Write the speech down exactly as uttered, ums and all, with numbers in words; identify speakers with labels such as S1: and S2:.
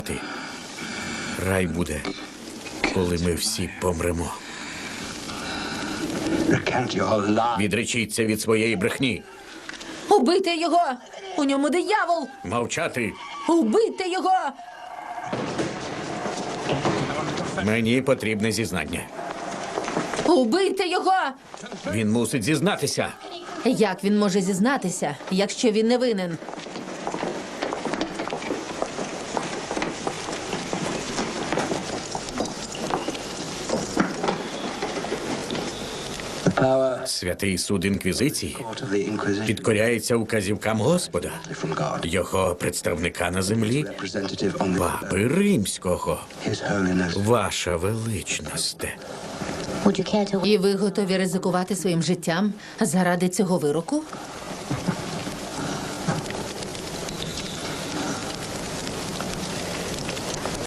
S1: Рай буде, коли ми всі помремо.
S2: Recant your lie.
S1: Відречіться від своєї брехні.
S3: Убийте його! У ньому диявол!
S1: Мовчати.
S3: Убийте його!
S1: Мені потрібне зізнання.
S3: Убийте його!
S1: Він мусить зізнатися.
S3: Як він може зізнатися, якщо він не винен?
S2: The power
S1: Святий суд Інквізиції
S2: court of the Inquisition
S1: підкоряється указівкам Господа,
S2: from God.
S1: його представника на землі,
S2: Representative on the
S1: Папи Римського.
S2: His Holiness.
S1: Ваша величність.
S4: Would you care to
S3: І ви готові ризикувати своїм життям заради цього вироку?